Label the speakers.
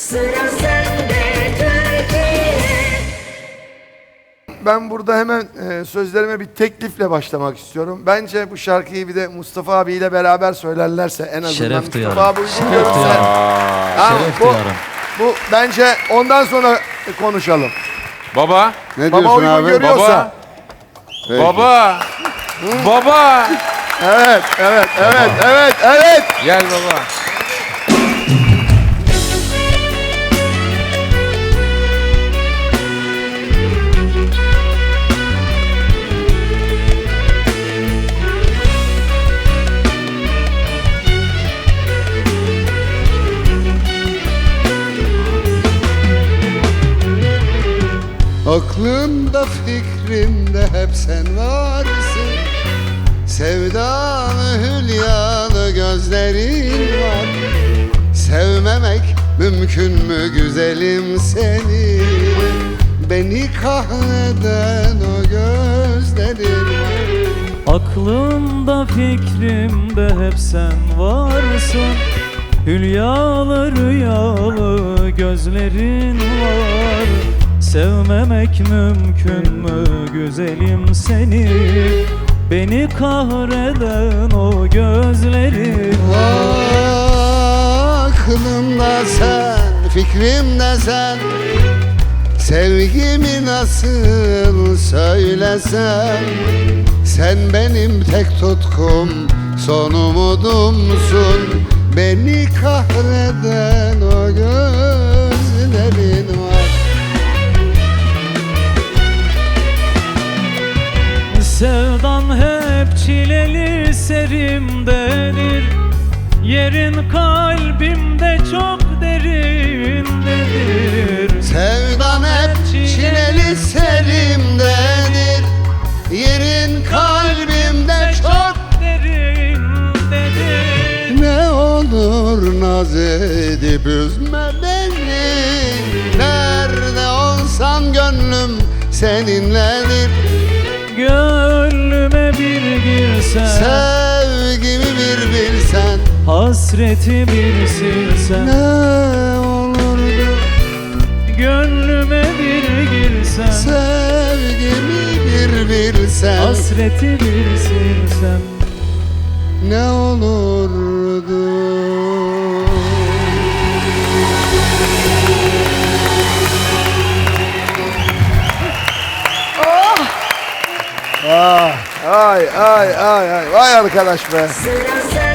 Speaker 1: Sıra sende Türkiye.
Speaker 2: Ben burada hemen sözlerime bir teklifle başlamak istiyorum. Bence bu şarkıyı bir de Mustafa abiyle beraber söylerlerse en azından
Speaker 3: Şeref
Speaker 2: Mustafa
Speaker 3: duyarım.
Speaker 2: abi uygun
Speaker 3: Şeref
Speaker 2: görürse.
Speaker 3: duyarım.
Speaker 2: Tamam,
Speaker 3: Şeref duyarım.
Speaker 2: bu bence ondan sonra konuşalım.
Speaker 4: Baba.
Speaker 5: Ne
Speaker 2: Baba
Speaker 5: diyorsun
Speaker 2: uygun
Speaker 5: abi?
Speaker 2: görüyorsa.
Speaker 4: Baba.
Speaker 5: Peki.
Speaker 4: Baba. Baba.
Speaker 2: Evet.
Speaker 4: Gel baba.
Speaker 5: Aklımda fikrimde hep sen varsın. Sevdalı hülyalı gözlerin var. Sevmemek mümkün mü güzelim seni? Beni kahreden o gözlerin var.
Speaker 3: Aklımda fikrimde hep sen varsın. Hülyalı rüyalı gözlerin var. Sevmemek mümkün mü güzelim seni? Beni kahreden o gözlerin var.
Speaker 5: Aklımda sen, fikrimde sen. Sevgimi nasıl söylesem? Sen benim tek tutkum, son umudumsun. Beni kahreden o gözlerin var.
Speaker 3: Sevdan hep çileli serimdedir. Yerin kalbimde çok derindedir.
Speaker 5: Sevdan hep çileli serimdedir. Yerin kalbimde çok
Speaker 3: derindedir.
Speaker 5: Ne olur naz edip üzme beni. Nerede olsam gönlüm seninledir.
Speaker 3: Gönlüme bir girsen,
Speaker 5: Sevgimi bir bilsen,
Speaker 3: hasreti bir silsen.
Speaker 5: ne olurdu
Speaker 3: Gönlüme bir girsen,
Speaker 5: sevgimi bir bilsen,
Speaker 3: hasreti bir silsen.
Speaker 5: ne olurdu.
Speaker 2: Ay. Vay arkadaş be.
Speaker 1: Sıra sende